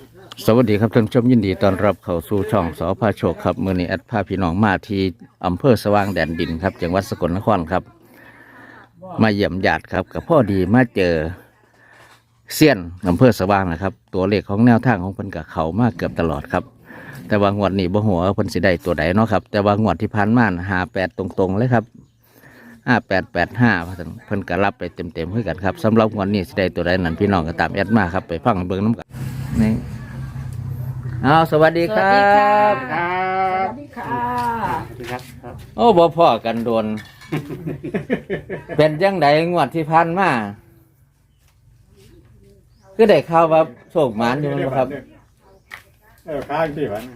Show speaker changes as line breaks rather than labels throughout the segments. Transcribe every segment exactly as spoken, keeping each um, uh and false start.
สวัสดีครับท่านผู้ชมยินดีต้อนรับเข้าสู่ช่องสอพาโชคครับมือนี้แอดพาพี่น้องมาที่อำเภอสว่างแดนดินครับจังหวัดสกลนครครับมาเยี่ยมญาติครับกับพ่อดีมาเจอเซียนอำเภอสว่างนะครับตัวเลขของแนวทางของเพิ่นกับเขามากเกือบตลอดครับแต่ว่างวดนี้บ่หัวาเพิ่นสิได้ตัวใดเนาะครับแต่ว่างวดที่ผ่านมาหาแปดตรงๆเลยครับห้าแปดแปดห้าเพิ่นก็รับไปเต็มๆเพื่อกันครับสำหรับงวดนี้สิได้ตัวใดนั้นพี่น้องก็ตามแอดมาครับไปฟังเบิ่งน้ำกันนี่เอาสวัสดีครับ
สวัสดีค่ะ
สวัสดีครับครับ
โอ้บ่พ่อกันโดน เป็นจังไดงวดที่ผ่านมาคือได้ข่าวว่าโชคหมานอยู่มั้งครับ
เออข้างที่วัน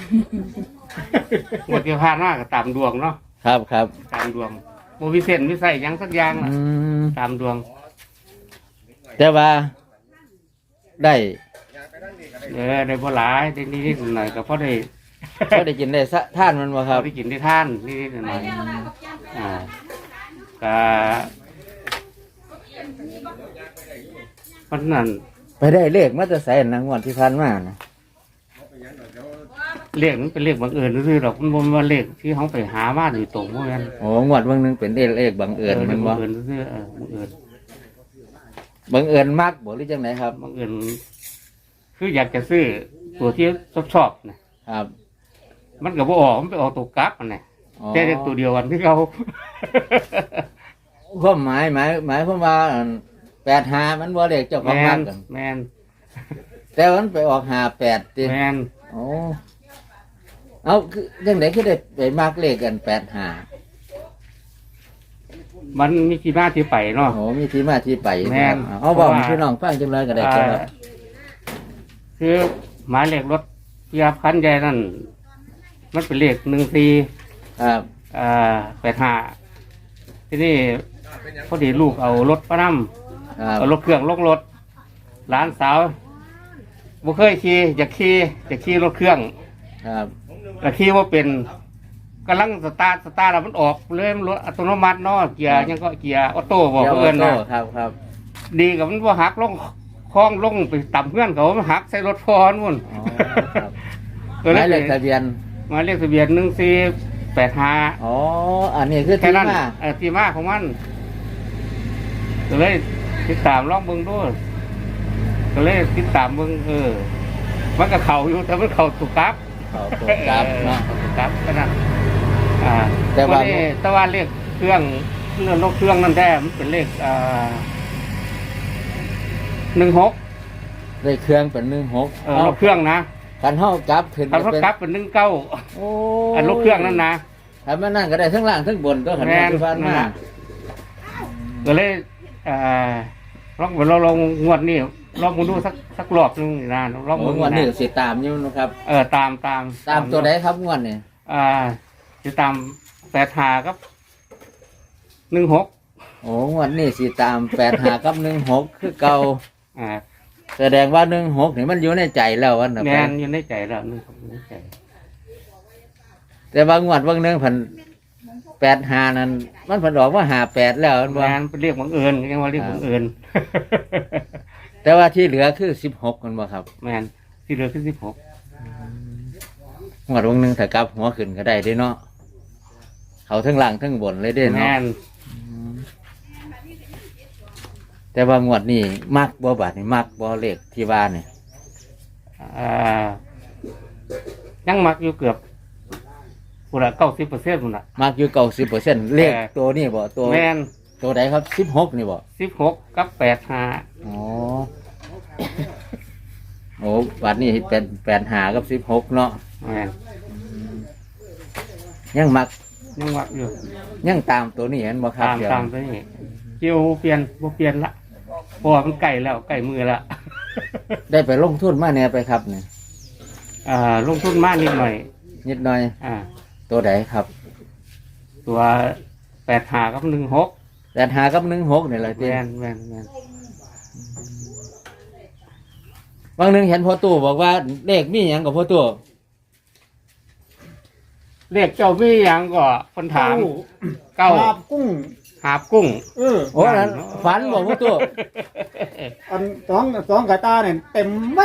หมดที่ผ่านมาก็ตามดวงเนาะ
ครับครับ
ตามดวงโมวิเศษวิสัยหยังสักอย่างล่ะ
อืม
ตามดวง
แต่ว่าได้
เออได้บ่หลายได้นิดๆหน่อยๆก็พอได้
ก็ได้กินได้สะท่านมันบ่ค
พ
รั
อบ ได้กินได้ท่านนิดๆหน่อยๆอ่าก็เพราะนั้น
ไปได้เลขมาจะใส่นะงวดที่ผ่านมานะ
เลขมันเป็นเลขบังเอิญซื่อๆหรอกมันบ่แม่นว่าเลขที่เขาไปหามาโดยตรงเพราะงั้น
โอ้งวดบางนึงเป็นเลขเลขบังเอิญ
เล
แมั
ข
น
บั
บ่
งเอิญซื่อๆเออบังเอิญ
บังเอิญมากบ่หรือจังไหนครับ
บังเอิญคืออยากจะซื้อตัวที่ชอบๆนะครับ มันก็บ่ออกมันไปออกตัวกลับมันน่ะ
อ๋อ
แต่ได้ตัวเดียวกันที่เขา
ความหมายหมายหมายความว่าแปดหามันบ่เลขเจ้าของ
แม
มาก
น
กัน
แมน
แต่มันไปออกหาแปดติ
แมน
โอ้เอาคือยังไงคือได้ไปมากเลขกันแปดหา
มันมีที่มาที่ไปเนาะ
โอ้มีที่มาที่ไป
แม่น
เอาบอก
เพราะว่า
พี่น้องฟังจังเลยก็ได้
อ่า
ครับ
คือหมายเลขรถเพียบคันใหญ่นั่นมันเป็นเลขหนึ่งสี่
ครับ
อ่าแปดห้าทีนี้พอดีลูกเอารถป้า
ค
น
รับ
ำเอารถเครื่องลงรถหลานสาวบ่เคยขี่อยากขี่อยากขี่รถเครื่อง
ครับ
แต่ขี่ว่าเป็นกำลังสตาร์ทสตาร์ทแล้วมันออกเลยมันรถอัตโนมัติเนาะเกียร์ยังก็เกียร์ออโต้บอก
เดี๋ยว
เพื่อน
โต้
นะครับ
ครับ
ดีกับมันว่าหักลงคล้องลงไปต่ำเพื่อนเขามันหักใส่รถพอนมุ่น
อ๋อครับ
ตัว
ห
นั้
มาย
น
เลขทะเบียน
หมายเลขทะเบียนหนึ่งสี่แปดห้า
อ๋ออันนี้คือ
แค่
ที่
นั้น
มา
เออที่มาของมันก็เลยติดตามลองเบิ่งดูก็เลยติดตามเบิ่งเออ มันก็เข่าอยู่แต่มันเข่าถูกกราฟ
เขาตัวกลับเนาะ
ครับก็นั่นอ่า
แต่ว่า
นี้แต่ว่าเลขเครื่องเรื่องนกเครื่องนั่นแท้มันเป็นเลขอ่าหนึ่งหก
เลขเครื่องเป็นหนึ่งหก
เออนกเครื่องนะ
กันเท่ากลับขึ้น
ถ้าเขา
เป็น
กลับเป็นหนึ่งเก้า
โอ้
อันนกเครื่องนั่นนะ
ถ้ามันนั่งก็ได้ทั้งล่างทั้งบนก็ขัน
แม่น
ที่ผ่าน
นั่น
มา
น่ะ ก็เลยอ่าลองไปลองลองงวดนี่ลองมาดูสักสักรอบนึงนี่นะลอง
โอ้
มาง
วดนี้
นะ
สิตามอยู่นะครับ
เออตามตาม
ตามตัวไหนครับงวดนี้
อ่าจะตามแปดหาครับหนึ่งหก
โอ้งวดนี้สิตามแปดหากับหนึ่งหกคือเก่า
อ่า
แสดงว่าหนึ่งหกนี่มันอยู่ในใจแล้ววันนะ
แม
ไป
นอยู่ในใจแล้วหนึ่งหกอยู่ในใจ
แต่บางงวดบางหนึงพันแปดหานั้นมันผันบอกว่าหาแปดแล้วมัน
แม
ว่าน
เป็นเรียกบังเอิญยังว่าเรียกบังเอิญ
แต่ว่าที่เหลือคือสิบหกมันบ่ครับ
แมนที่เหลือคือสิบหก
งวดบางหนึงถ้ากลับหัวขึ้นก็ได้เด้เนาะเขาทั้งล่างทั้งบนเลยเด้
แม
เนาะ
น
แต่ว่างวดนี้มักบ่บาดนี่มักบ่เลขที่ว่านี่
อ่ายังมักอยู่เกือบปุระเก้าสิบเปอร์เซ็นต์ปุระ
มักอยู่เก้าสิบเปอร์เซ็นต์เลข
เออ
ตัวนี้บ่ตัว
แมน
ตัวใดครับสิบหกนี่บ่
สิบหกกับแปดห้า
อ๋อ โอ้บาดนี้เป็นแปดหากับสิบหกเนาะ
แมน
ยังมัก
ยังมักอยู่
ยังตามตัวนี้เห็นบ่ครับ
ตาม
เดี๋ยว
ตามไปนี่เกี่ยวเปลี่ยนบ่เปลี่ยนละเพราะว่ามันใกล้แล้วใกล้มือละ
ได้ไปลงทุนมาเนี่ยไปครับเนี่ย
อ่าลงทุนมากนิดหน่อย
นิดหน่อย
อ่า
ตัวใดครับ
ตัวแปดหากับหนึ่งหก
แปดหากับหนึ่งหกนี่แหละ
แม
ที่
นแมนแมน
บางหนึงเห็นพ่อตู้บอกว่าเลขมีหยังกับพ่อตู้
เรียกเจ้าพี่ยังก็คนถามเก้า
ลาบกุ้ง
หาบกุ้ง
เออ
โอ้นั้นฝันบอกพ่อตู้
อันสองสองกระตาเนี่ยเต็มมัด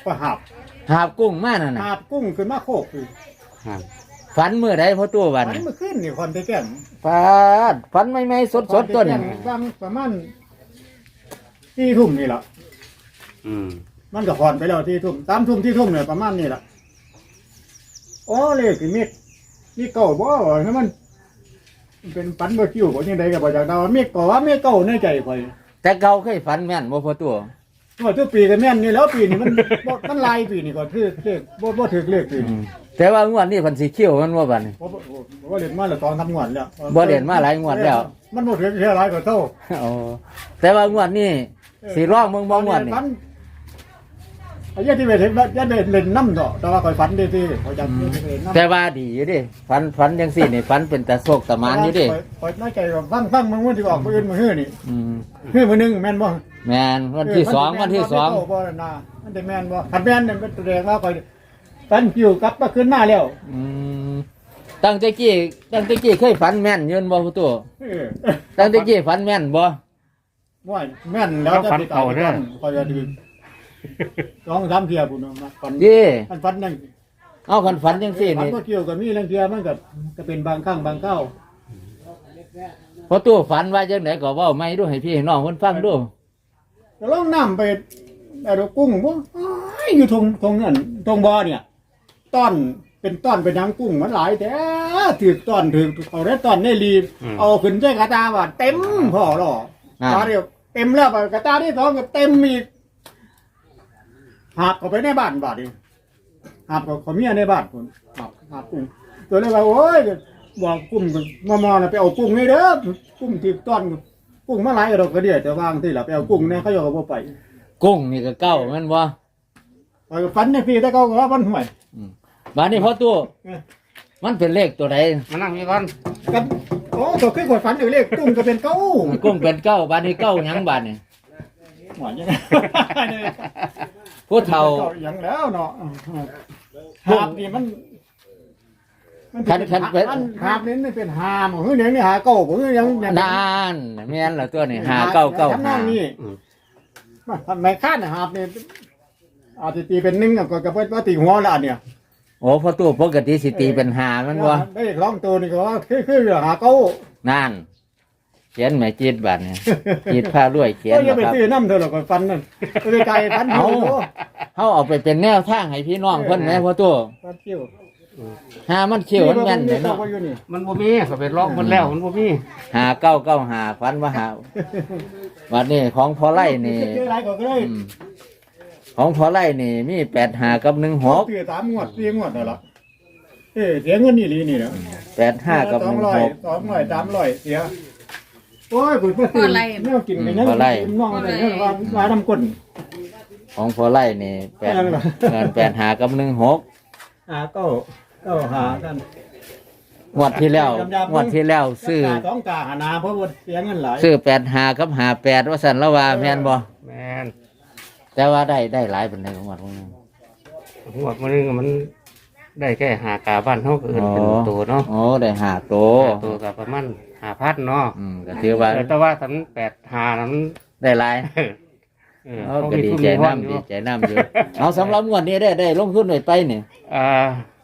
ก็หับ
หาบกุ้งมานั่นน่ะ
หับกุ้งขึ้นมาโคกคือ
ครับ
ฝันมื้อใดพอตู้บั
วั
ด
น
นี้
เมื่อคืนนี่คนไปแก่น
ฟาดฝันใหม่ๆสดๆตัวนี้
บางประมาณที่ทุ่มนี่แหละ
อืม
มันก็พอนไปแล้วที่ทุ่มสามทุ่มที่ทุ่มเนี่ยประมาณนี้แหละโอ้เลยคือมีดมีเก่าบ่ให้มันมันเป็นปันบ่คิวบ่ยังไดก็บ่จากดาวมีเก่าว่ามีเก่าในใจข่อย
แต่เก่าเคยฝันแม่นบ่พอตู้
ว่าทุกปีก็แม่นนี่แล้วปีนี้มัน บ่มันลายปีนี้ก็ถือเลขบ่บ่ถือเลขปี
อื
นี้
มแต่ว่างวดนี้เพิ่นสิเขี้ยวมันบ่บัดนี้
บ่บ่บ่บ่เล่นมาแล้วตอนทำงวดแล้ว
บ่เล่นมาหลายงวดแล้ว
มันบ่ถือเท่าหลายก็เท่า
อ๋อแต่ว่างวดนี้สิร้องเบิ่งบ่งวดนี่
ฝันไอ้ยันที่ไปเห็นยันได้เล่นน้ำดอกแต่ว่าข่อยฝันได้ที่ข่อยจำได้เล่นน้ำ
แต่ว่าดีอยู่ดิฝันฝันจังซี่นี่ฝันเป็นตาโศกตะมานอยู่ดิ
ข่อยน้อยใจว่าฟังฟังมึงวันที่ออกมื้ออื่นมื้อฮื้อนี่
อืม
ฮื้อมื้อหนึงแม่นบ่
แม่นวันที่สองวันที่สอง
เบ่น่ะมันได้แม่นบ่คันแม่นเนี่ยมันแสดงว่าข่อยฝันคิวกลับมาขึ้นมาแล้ว
อืมตั้งแต่กี้ตั้งแต่กี้เคยฝันแม่นอยืนบ่ผู้ตัว
เออ
ตั้งแต่กี้ฝันแม่นบ่
ว่าแม่นแล้วจะไปตายก่อนข่อยจะดื้อสองสามเที่ยพุ่นน่ะฝัน
ดิ
มันฝันนั่น
เอาคันฝันจังซี่
ฝัน
นี่
บ่เกี่ยวกับมีเรื่องเที่ยมันก็ก็เป็นบางครั้งบางคราว
พอตัวฝันว่าจังไดก็เว้าไม่ดูให้พี่ให้น้องเพิ่นฟังดู
ก็ลองน้ำไปไอ้ดอกกุ้งบ่อ้ายอยู่ทงทงนั่นทงบ่อเนี่ยต้อนเป็นต้อนเป็นหยังกุ้งมันหลายแต่ถือต้อนถือเอาได้ต้อนในรีเอาขึ้นใส่กระตาว่าเต็มพอหรอ
อ่า
ตาเดียวเต็มแล้วกระตาที่สองก็เต็มอีกหาบเข้าไปในบ้านบาดนี้หาบกับขเมียในบ้านพุ่นหาบหาบกุ้งตัวเลยว่าโอ้ยบอกกุ้งมามอนะไปเอากุ้งนี่เด้อกุ้งถือต้อนกุ้งมาหลายกระดอกกระเดียแต่วางที่หลับไปเอากุ้งเนี่ยเขาโยกกับไป
กุ้งนี่ก็เก้าแม่นบ่
ไปฝันในพี่แต่เขาก็ว่ามันห่วย
บัดนี้พอตัว
เออ
มันเป็นเลขตัวใด
มานั่งนี่ก่อน
กันโอ้ตัวขึ้นขวดฝันอยู่เลขตุ้งก็เป็นเก้า
กุ้งเป็นเก้าบัดนี้เก้าหยังบัดนี่
หวานยังไง
ผู้เฒ่า
อย่างแล้วเนาะหาบนี่มันมั
คันคันเป็น
มันหาบนี่มันเป็นหามเฮ้ยเนี่ยนี่หาเก้าผมยัง
นานแม่นล่ะตัวนี้หาเก้าเก้า
ทำน
หา
องนี้ทำไมคาดหาบนี่อาจจะตีเป็นหนึ่งก็กระเพื่อว่าตีหัวละเนี่ย
โอ้พอตัวปกติสิตีเป็นหาแมันบ่
ได้ร้องตัวนี่ก็ว่าคือคือหาเก้า
นั่นเขียนแม่จีดบัดนี่จีดผ้ารวยเขียน
ก็อย่า
นะ
ไป
ครับ
ซื้อน้ำเธอหรอกฟันนั่นไปไกลฟัน
เอา
เที่ยว
เฮาเอาไปเป็นแนวทางให้พี่น้องเพิ่นแหมพอตัว
ฟันเที่ยว
หามันเขียวมันแม่นเลยเนาะ
อยู่นี่
มันบ่มีเขาไปล็อกมันแล้วมันบ่มี
หาเก้าเก้าหาฟันว่าหาบัดนี้ของพอไล่นี่
เจออะไรก็ได้
อืมของพอไล่นี่มีแปดหากับหนึ่งหก
เสียสามงวดสี่งวดนั่นละเออเสียเงินนี่ลีนี่นะ
แปดห้ากับ
ส
ห
อง
นึ่ง
ร้อ
ห
ย
ก
สองร้อยสามร้อยเสียโอ้ยคุณเพื่อนแนวกินกันยังกินน้องอะไรเนี่ยว่าว่าน้ำก้น
ของพอไล่นี่แปด
อะไรวะ
เงินแปดหากับหนึ่งหก
หาเก้าเก้าหากัน
งวดที่แล้วงวดที่แล้วซื้อ
สองกาหานาเพราะว่าเสียเงินหลาย
ซื้อแปดหากับหาแปดว่าสันละว่าแม่นบ่
แม่น
แต่ว่าได้ได้หลายเป็นในของวัดพวกนี้
หัวมันนึงมันได้แค่หากาบ้านเฮาก็เอิ้นเป็นตัวเนาะ
โอ้ได้หาโต
ห้าตัวก็ประมาณห้าพันเนาะ
อืมก็ถือว่า
เออแต่ว่าสันแปดหานั้น
ได้หลาย
เออ
เอา
เขา
ก็
มี
ดี
ทุน
ใจ
มีห้อนอ
น้ำ
ยู่
ดีใจน้ำอยู่เอาสำหรับงวดนี้ได้ได้ลงทุนไปไปนี่
อ่า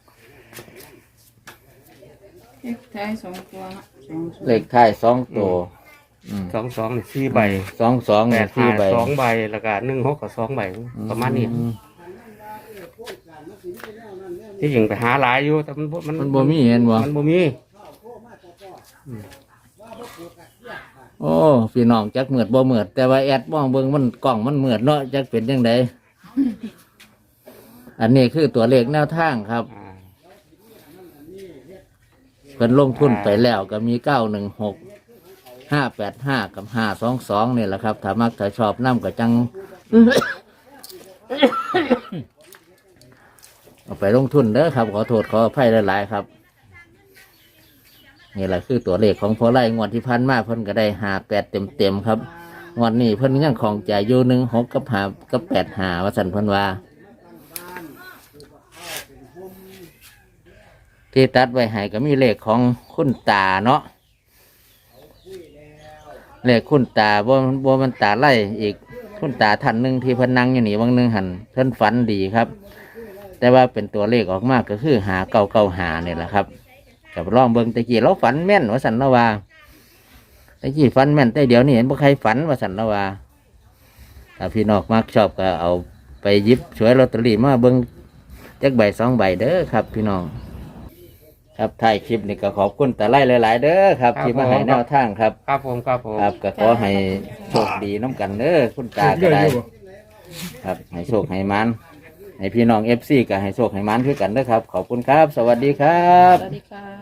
เลขท้ายสองตัวนะสองตัว
เลขท้ายสองตัวอืม
สองสองนี่สี่ใบ
สองสอง
แป
นี่
ด
สี่
ห้า
ใบ
สองใบแล้วก็หนึ่งหกกับสองใบประมาณนี้
อื
ที่จริงไปหาหลายอยู่แต่มันบ่มัน
มันบ่มีเห็นบ่
มันบ่มี
โอ้พี่น้องจักเหมือดบ่เหมือดแต่ว่าแอดมองเบิ่งมันกล้องมันเหมือดเนาะจักเป็นจังไดอันนี้คือตัวเลขแนวทางครับ
อ่า
เพิ่นลงทุนไปแล้วก็มีเก้าหนึ่งหกห้าแปดห้ากับห้าสองสองนี่แหละครับถ้ามักถ้าชอบน้ำก็จัง เอาไปลงทุนเด้อครับ ขอโทษขออภัยหลายๆครับนี่แหละคือตัวเลขของพอไล่งวดที่พันมาเพิ่นก็ได้หาแปดเต็มๆครับงวดนี้เพิ่นยังของใจอยู่หนึ่งหกกับหากับแปดหาว่าสันเพิ่นว่า ที่ตัดไว้ให้ก็มีเลขของคุณตาเนาะเลขคุณตาบ่บ่มันตาไล่อีกคุณตาท่านหนึ่งที่เพิ่นนั่งอยู่นี่วังหนึงหันเพิ่นฝันดีครับ แต่ว่าเป็นตัวเลขออกมาก็คือหาเก้าเก้าหาเนี่ยแหละครับกับลองเบิ่งตะกี้เราฝันแม่นว่าสันละว่าตะกี้ฝันแม่นแต่เดี๋ยวนี้เห็นบ่ใครฝันว่าสันละว่าถ้าพี่น้องมักชอบก็เอาไปหยิบฉวยลอตเตอรี่มาเบิ่งจักใบสองใบเด้อครับ พี่น้องครับถ่ายคลิปนี่ก็ขอบคุณตาไล่หลายๆเด้อครับที่มาให้แนวทางครับ
ครับผมครับผม
ครับก็ขอให้โชคดีน้ำกันเด้อคุณตาก็ได้ ครับให้โชคให้มันให้พี่น้องเอฟซีก็ให้โชคให้มันคือกันเด้อครับ ขอบคุณครับ สวัสดีครับ
สวัสดีค่ะ